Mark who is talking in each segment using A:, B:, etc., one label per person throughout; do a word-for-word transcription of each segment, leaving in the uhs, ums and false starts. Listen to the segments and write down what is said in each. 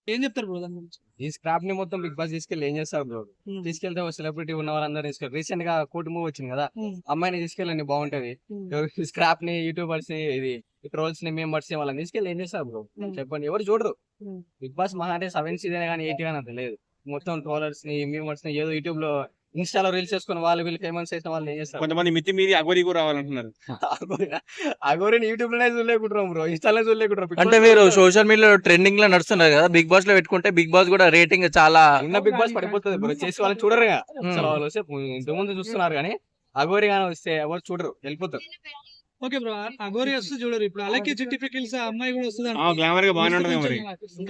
A: ఏం చెప్తారు బ్రో దాని గురించి?
B: ఈ స్క్రాప్ ని మొత్తం బిగ్ బాస్ తీసుకెళ్ళి ఏం చేస్తారు బ్రో?
A: హ్మ్.
B: తీసుకెళ్తే సెలబ్రిటీ ఉన్న వాళ్ళందరూ తీసుకెళ్ళి రీసెంట్ గా కోటి మూవ్ వచ్చింది కదా,
A: హ్మ్.
B: అమ్మాయిని తీసుకెళ్ళండి బాగుంటది.
A: హ్మ్.
B: స్క్రాప్ ని యూట్యూబర్స్ ని ఇది ట్రోల్స్ ని మెంబర్స్ ని వాళ్ళని తీసుకెళ్ళి ఏం చేస్తారు బ్రో?
A: హ్మ్.
B: చెప్పండి, ఎవరు చూడరు.
A: హ్మ్.
B: బిగ్ బాస్ మహా అంటే సెవెన్ సీజన్ కానీ ఎయిట్ కానీ అంత లేదు. మొత్తం ట్రోలర్స్ ని మెంబర్స్ ని ఏదో యూట్యూబ్ లో ఇన్స్టాలో రీల్స్ చేసుకుని వాళ్ళు వీళ్ళు ఫేమస్ చేసిన వాళ్ళు ఏం చేస్తారు?
C: కొంతమంది మితి మీరి అగోరి కూడా రావాలంటున్నారు.
B: అగోరిని యూట్యూబ్ లోనే చూడలేకుంటాం బ్రో, ఇన్స్టాలో చూడలేకుంటాం.
D: అంటే మీరు సోషల్ మీడియాలో ట్రెండింగ్ లో నడుస్తున్నారు కదా, బిగ్ బాస్ లో పెట్టుకుంటే బిగ్ బాస్ కూడా రేటింగ్ చాలా
B: ఉన్న బిగ్ బాస్ పడిపోతుంది బ్రో, చేసి వాళ్ళని చూడరు. అసలు వాళ్ళు వస్తే ఇంత ముందు చూస్తున్నారు కానీ అగోరి గానీ వస్తే ఎవరు చూడరు, వెళ్ళిపోతారు.
A: ఓకే బ్రో, అఘోరి వస్తే చూడరు. ఇప్పుడు అలాగే చిట్టి పికిల్స్ ఆ అమ్మాయి కూడా వస్తుంది
C: ఆ గ్లామర్ గా బాగానే ఉంటది మరి.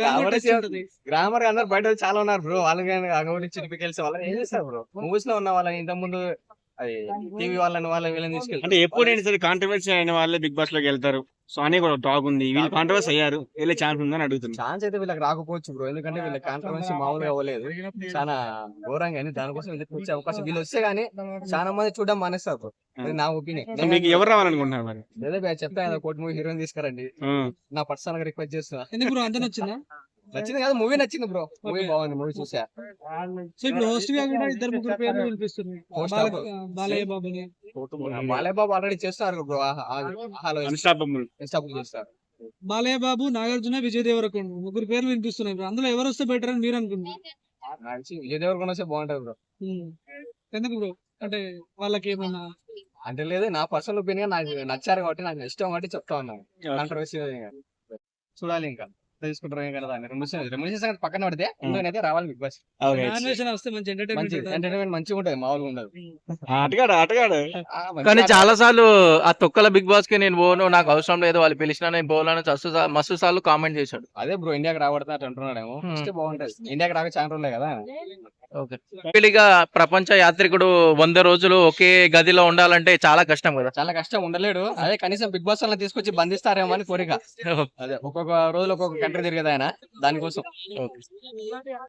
B: గ్రామర్ అందరు బయట చాలా ఉన్నారు బ్రో, వాళ్ళని అగోరి చిరిపికెళ్ళి వాళ్ళని ఏం చేస్తారు బ్రో? మూవీస్ లో ఉన్న వాళ్ళని ఇంత ముందు అది టీవీ వాళ్ళని వాళ్ళని వీళ్ళని తీసుకెళ్తారు.
C: అంటే ఎప్పుడైనా సరే కాంట్రవర్సీ అయిన వాళ్ళే బిగ్ బాస్ లోకి వెళ్తారు. సో అని కూడా టాక్ ఉంది, వీళ్ళు కాంట్రవర్సీ అయ్యారు, వెళ్ళే ఛాన్స్ ఉందని అడుగుతుంది.
B: ఛాన్స్ అయితే వీళ్ళకి రాకపోవచ్చు బ్రో, ఎందుకంటే వీళ్ళకి కాంట్రవర్సీ మామూలుగా అవ్వలేదు, చాలా ఘోరంగా అయింది. దానికోసం వీళ్ళకి వచ్చే అవకాశం, వీళ్ళు వస్తే గానీ చాలా మంది చూడడం మానేస్తారు బ్రో, అది నా ఒపీనియన్.
C: మీకు ఎవరు రావాలనుకుంటున్నారు మరి?
B: లేదా చెప్తా కదా, కోటి మూవీ హీరోయిన్ తీసుకురండి,
C: ఆ.
B: నా పర్సనల్ గా రిక్వెస్ట్ చేస్తున్నా.
A: ఎందుకు బ్రో అంత నచ్చిందా?
B: నచ్చింది కదా, మూవీ నచ్చింది బ్రో, మూవీ బాగుంది, మూవీ చూసా.
A: సో ఇప్పుడు హోస్ట్ గా కూడా ఇద్దరు ముగ్గురు పేర్లు వినిపిస్తుంది.
B: Host
A: బాల-
B: అప్పుడు.
A: బాలయ్య బాబుని.
B: బాలయ్య బాబు ఆల్రెడీ చేస్తారు బ్రో, హలో
C: అన్స్టాపబుల్.
B: ఇన్స్టాపుల్ చేస్తారు.
A: బాలయ్య బాబు, నాగార్జున, విజయ్ దేవరకొండ ముగ్గురు పేర్లు వినిపిస్తున్నాయి బ్రో. అందులో ఎవరు వస్తే బెటర్ అని మీరు అనుకుంటున్నారు?
B: మంచి విజయ్ దేవరకొండ వస్తే బాగుంటది బ్రో.
A: ఉమ్. ఎందుకు బ్రో? అంటే వాళ్ళకి ఏమన్నా
B: అంటే లేదు, నా పర్సనల్ ఒపీనియన్, నాకు నచ్చారు కాబట్టి, నాకు ఇష్టం కాబట్టి చెప్తా ఉన్నాను. కాంట్రవర్సీ చూడాలి, ఇంకా తెలుసుకుంటారు ఏం కదా. రెమ్యూనరేషన్ రెమ్యూనరేషన్ సంగతి పక్కన పడితే ఇందులోనైతే రావాలి బిగ్ బాస్.
A: నామినేషన్ వస్తే మంచి
B: మంచి
A: ఎంటర్టైన్మెంట్
B: ఎంటర్టైన్మెంట్ మంచిగా ఉంటది, మామూలుగా ఉండదు.
C: ఆటగాడు ఆటగాడు
B: ఆ, మంచి
D: కానీ
B: ఆట-
D: చాలా సార్లు ఆ తొక్కల బిగ్ బాస్ కి నేను పోను, నాకు అవసరం లేదు, వాళ్ళు పిలిచినా నేను పోవాలని మస్తు సా- మస్తు సార్లు కామెంట్ చేశాడు.
B: అదే బ్రో, ఇండియాకి రాబడుతున్నట్టు అంటున్నాడేమో,
D: Hmm.
B: ఇస్తే బాగుంటది. ఇండియాకి రాక చాలా రోజులే కదా.
D: ఓకే, పెళ్లిగా ప్రపంచ యాత్రికుడు వంద రోజులు ఒకే గదిలో ఉండాలంటే చాలా కష్టం కదా.
B: చాలా కష్టం, ఉండలేడు. అదే కనీసం బిగ్ బాస్ వాళ్ళని తీసుకొచ్చి బంధిస్తారేమో అని కోరిక. అదే ఒక్కొక్క రోజులు ఒక్కొక్క కంట్రీ తిరిగేది ఆయన, దానికోసం.
D: ఓకే.